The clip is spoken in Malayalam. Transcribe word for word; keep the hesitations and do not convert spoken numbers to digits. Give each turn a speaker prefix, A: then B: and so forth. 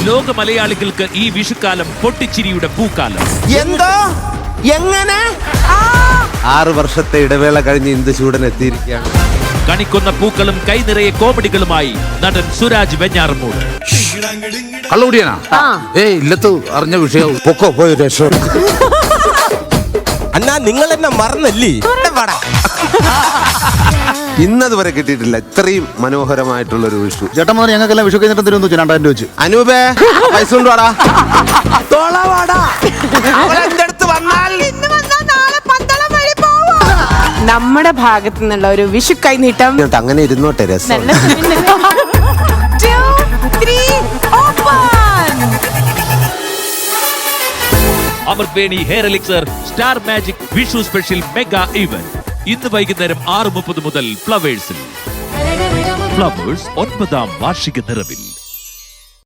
A: ലോക മലയാളികൾക്ക് ഈ വിഷുക്കാലം പൊട്ടിച്ചിരിയുടെ പൂക്കാലം.
B: എന്തോ എങ്ങനെ
C: ആറ് വർഷത്തെ ഇടവേള കഴിഞ്ഞ് ഇന്ദുചൂടൻ എത്തിയിരിക്കുകയാണ്.
A: കണിക്കൊന്ന പൂക്കളും കൈനിറയെ കോമഡികളുമായി നടൻ സുരാജ് വെഞ്ഞാറമൂട്.
D: കള്ളുകൂടിയാനാ? ഏയ് ഇല്ലത്ത് അറിഞ്ഞ വിഷയം
C: പൊക്കോ പോയി രക്ഷ.
B: അണ്ണാ നിങ്ങൾ എന്നെ മറന്നല്ലേ?
C: ഇന്നത് വരെ കിട്ടിയിട്ടില്ല ഇത്രയും മനോഹരമായിട്ടുള്ള ഒരു വിഷു.
D: ചേട്ടൻ പറഞ്ഞ ഞങ്ങൾക്കെല്ലാം വിഷു കഴിഞ്ഞിട്ട് തരുന്നു രണ്ടായിരം രൂപ വെച്ച്.
C: അനൂപേ പൈസ കൊണ്ടുവാടാ.
E: നമ്മുടെ ഭാഗത്തു നിന്നുള്ള ഒരു വിഷു കൈനീട്ടം.
C: അങ്ങനെ ഇരുന്നോട്ടെ രസം.
A: Amrit hair elixir star magic Vishu special mega event ഇന്ന് വൈകുന്നേരം ആറ് മുപ്പത് മുതൽ ഫ്ലവേഴ്സിൽ. ഫ്ലവേഴ്സ് ഒൻപതാം വാർഷിക നിറവിൽ.